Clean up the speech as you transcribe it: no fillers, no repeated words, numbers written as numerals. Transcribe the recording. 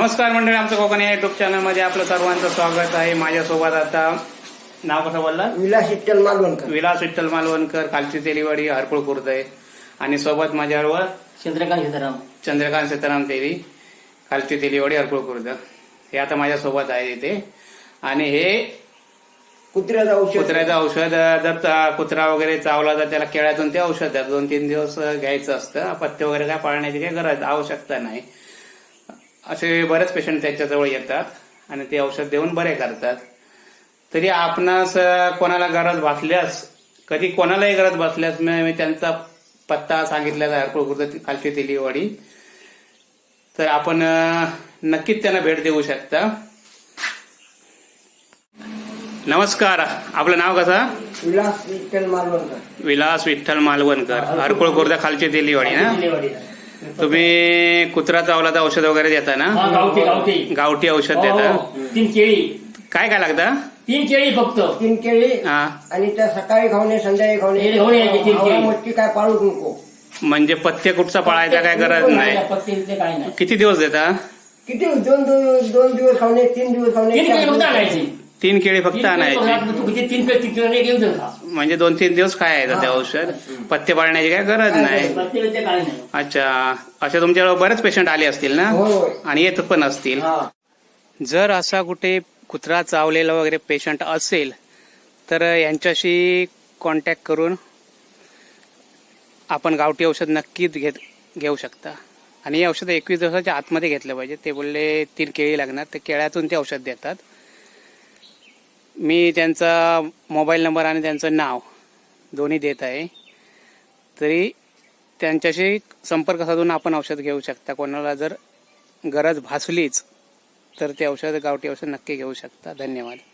नमस्कार मंडळी, आमचं कोकण या युट्यूब चॅनलमध्ये आपलं सर्वांचं स्वागत आहे. माझ्यासोबत आता नाव कसं बोलला? विलास विठ्ठल मालवणकर. विलास विठ्ठल मालवणकर, खालची तेलीवाडी, हरकुळ खुर्द आहे. आणि सोबत माझ्याबरोबर चंद्रकांत सीताराम तेली, खालची तेलीवाडी, हरकुळ खुर्द. हे आता माझ्यासोबत आहे इथे. आणि हे कुत्र्याचं औषध जर कुत्रा वगैरे चावला तर त्याला केळ्यातून ते औषध द्या. 2-3 दिवस घ्यायचं असतं. पथ्य वगैरे काय पाळण्याची काही गरज आवश्यकता नाही. असे बरेच पेशंट त्याच्याजवळ येतात आणि ते औषध देऊन बरे करतात. तरी आपणास कोणाला गरज भासल्यास, कधी कोणालाही गरज भासल्यास मी त्यांचा पत्ता सांगितलेला आहे, हरकुळ खुर्द, खालची तेलीवाडी. तर आपण नक्कीच त्यांना भेट देऊ शकता. नमस्कार, आपलं नाव कसं? विलास विठ्ठल मालवणकर. विलास विठ्ठल मालवणकर, हरकुळ खुर्द, खालची तेलीवाडी ना. तुम्ही कुत्रा चावला तर औषध वगैरे देता ना? गावठी औषध देता. 3 केळी. काय काय लागतं? 3 केळी फक्त. 3 केळी हा, आणि त्या सकाळी खावणे, संध्याकाळी खावणे. आवळा मटकी काय पाळू नको. म्हणजे पथ्य कुठचा पाळायचा काय गरज नाही. काय नाही. किती दिवस देता? किती 2 दिवस खावणे, 3 दिवस खावणे. 3 केळी फक्त आणायची. 3 केळी फक्त आणायची. तू किती 3 केळी घेऊन जा. म्हणजे 2-3 दिवस खायचं ते औषध. पथ्य पाळण्याची काय गरज नाही. काय नाही. अच्छा, असे तुमच्याकडे बरेच पेशंट आले असतील ना? होय. आणि येत पण असतील. जर असा कुठे कुत्रा चावलेला वगैरे पेशंट असेल तर यांच्याशी कॉन्टॅक्ट करून आपण गावठी औषध नक्कीच घेऊ शकता. आणि हे औषध 21 दिवसाच्या आतमध्ये घेतलं पाहिजे. ते बोलले 3 केळी लागणार, ते केळ्यातून ते औषध देतात. मी त्यांचा मोबाईल नंबर आणि त्यांचं नाव दोन्ही देत आहे. तरी त्यांच्याशी संपर्क साधून आपण औषध घेऊ शकता. कोणाला जर गरज भासलीच तर ते औषध, गावठी औषध नक्की घेऊ शकता. धन्यवाद.